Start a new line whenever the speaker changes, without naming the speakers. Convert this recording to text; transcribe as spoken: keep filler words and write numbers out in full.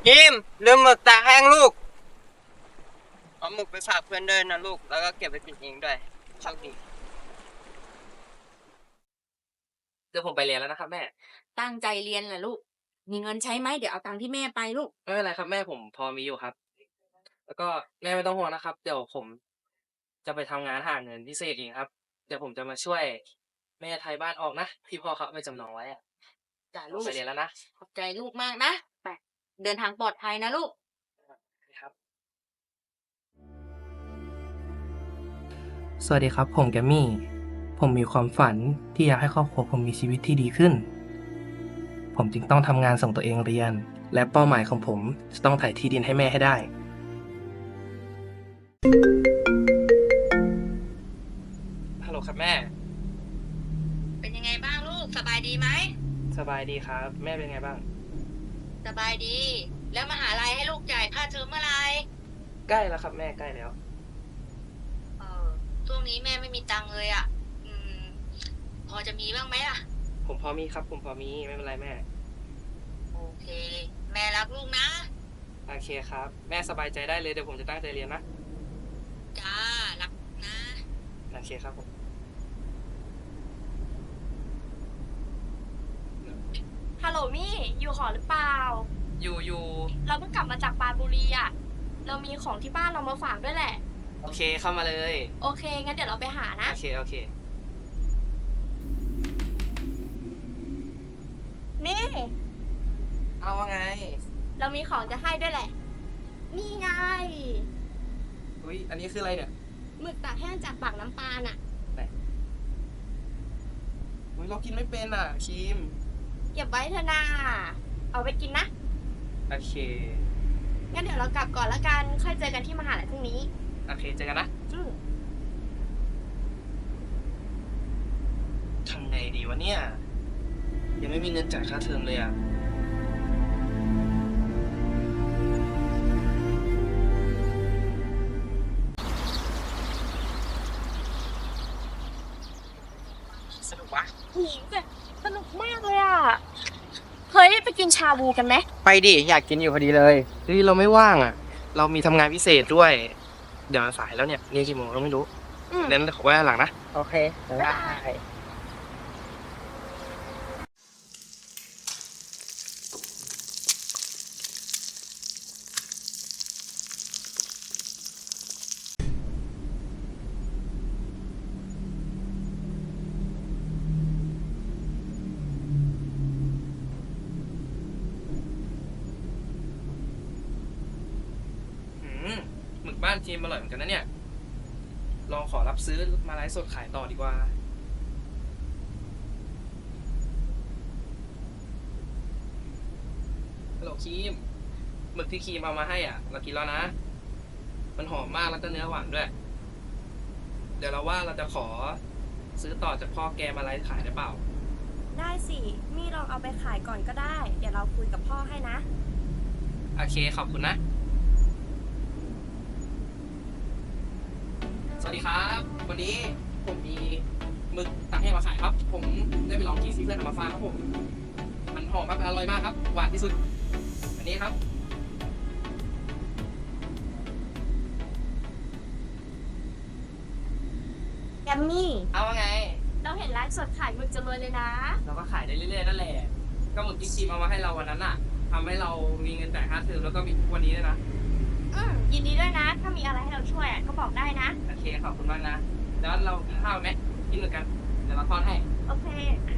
พิมพ์ลืมหมึกตากแห้งลูกเอาหมึกไปฝากเพื่อนเดินนะลูกแล้วก็เก็บไปกินเองด้วยโชคดีเดี๋ยวผมไปเรียนแล้วนะครับแม่
ตั้งใจเรียนแหละลูก มีเงินใช้ไหมเดี๋ยวเอาตังค์ที่แม่ไปลูก
ไม่เป็นไรครับแม่ผมพอมีอยู่ครับแล้วก็แม่ไม่ต้องห่วงนะครับเดี๋ยวผมจะไปทำงานหาเงินพิเศษเองครับเดี๋ยวผมจะมาช่วยแม่ไทยบ้านออกนะที่พ่อเขาไปจำนองไว้อะ
จ้ะลูก
ไปเรียนแล้วนะ
ขอบใจลูกมากนะ ไป เดินทางปลอดภัยนะลูก
ครับสวัสดีครับผมแกมมี่ผมมีความฝันที่อยากให้ครอบครัวผมมีชีวิตที่ดีขึ้นผมจึงต้องทำงานส่งตัวเองเรียนและเป้าหมายของผมจะต้องถ่ายที่ดินให้แม่ให้ได้ฮัลโหลครับแม่
เป็นยังไงบ้างลูก สบายดีไหม
สบายดีครับแม่เป็นไงบ้าง
สบายดี แล้วมหาลัยให้ลูกจ่ายค่าเทอมเมื่อไหร่
ใกล้แล้วครับแม่ใกล้แล้ว
เออช่วงนี้แม่ไม่มีตังค์เลยอ่ะ อืม พอจะมีบ้างไหมล่ะ
ผมพอมีครับผมพอมีไม่เป็นไรแม่
โอเค แม่รักลูกนะ
โอเคครับแม่สบายใจได้เลยเดี๋ยวผมจะตั้งใจเรียนนะ
จ้า รักนะ
โอเคครับผม
ฮัลโหลมี่อยู่หอหรือเปล่า
อยู่อยู่
เราเพิ่งกลับมาจากปรานบุรีอ่ะ เรามีของที่บ้านเรามาฝากด้วยแหละ
โอเคเข้ามาเลย
โอเค งั้นเดี๋ยวเราไปหานะ
โอเคโอเค
นี่
เอาว่าไง
เรามีของจะให้ด้วยแหละ นี่ไง
อุ้ยอันนี้คืออะไรเนี่ย
หมึกตากแห้งจากปากน้ำปานอ่ะ
อุ้ยเรากินไม่เป็นอ่ะครีม
เก็บไว้เถอะนาเอาไปกินนะ
โอเค
งั้นเดี๋ยวเรากลับก่อนละกัน ค่อยเจอกันที่มหาลัยพรุ่งนี้
โอเคเจอกันนะ
อืม
ทำไงดีวะเนี่ยยังไม่มีเงินจ่ายค่าเทอมเลยอ่ะสนุกวะ
หูแต่สนุกมากเลยอ่ะ เฮ้ย ไปกินชาบูกันไหม
ไปดิอยากกินอยู่พอดีเลยเฮ้ยเราไม่ว่างอ่ะ เรามีทำงานพิเศษด้วย เดี๋ยวมันสายแล้วเนี่ยนี่กี่โมงเราไม่รู้
อืม
เน้นขอไว้หลังนะโอเคได้หืมหมึกบ้านทีมอร่อยเหมือนกันนะเนี่ยลองขอรับซื้อมาไลฟ์สดขายต่อดีกว่าฮัลโหลครีมหมึกที่ครีมเอามาให้อ่ะเรากินแล้วนะมันหอมมากแล้วก็เนื้อหวานด้วยเดี๋ยวเราว่าเราจะขอซื้อต่อจากพ่อแกมาไลฟ์ขายได้เปล่า
ได้สิ มี่ลองเอาไปขายก่อนก็ได้ เดี๋ยวเราคุยกับพ่อให้นะ
โอเคขอบคุณนะสวัสดีครับวันนี้ผมมีหมึกตากแห้งมาขายครับ ผมได้ไปลองกินซีเพื่อนเอามาฝากครับผมมันหอมมากอร่อยมากครับหวานที่สุดอันนี้ครับ
แกมมี่
เอาว่าไง
เราเห็นไลฟ์สดขายหมึกจะรวยเลยนะ
เราก็ขายได้เรื่อยๆนั่นแหละก็หมึกที่ครีมเอามาให้เราวันนั้นอ่ะทำให้เรามีเงินจ่ายค่าเทอมแล้วก็มีทุกวันนี้ด้วยนะ
อืมยินดีด้วยนะ ถ้ามีอะไรให้เราช่วยอะก็บอกได้นะ
โอเคขอบคุณมากนะแล้วเรากินข้าวไหมกินหมึกกันเดี๋ยวเราทอดให้
โอเค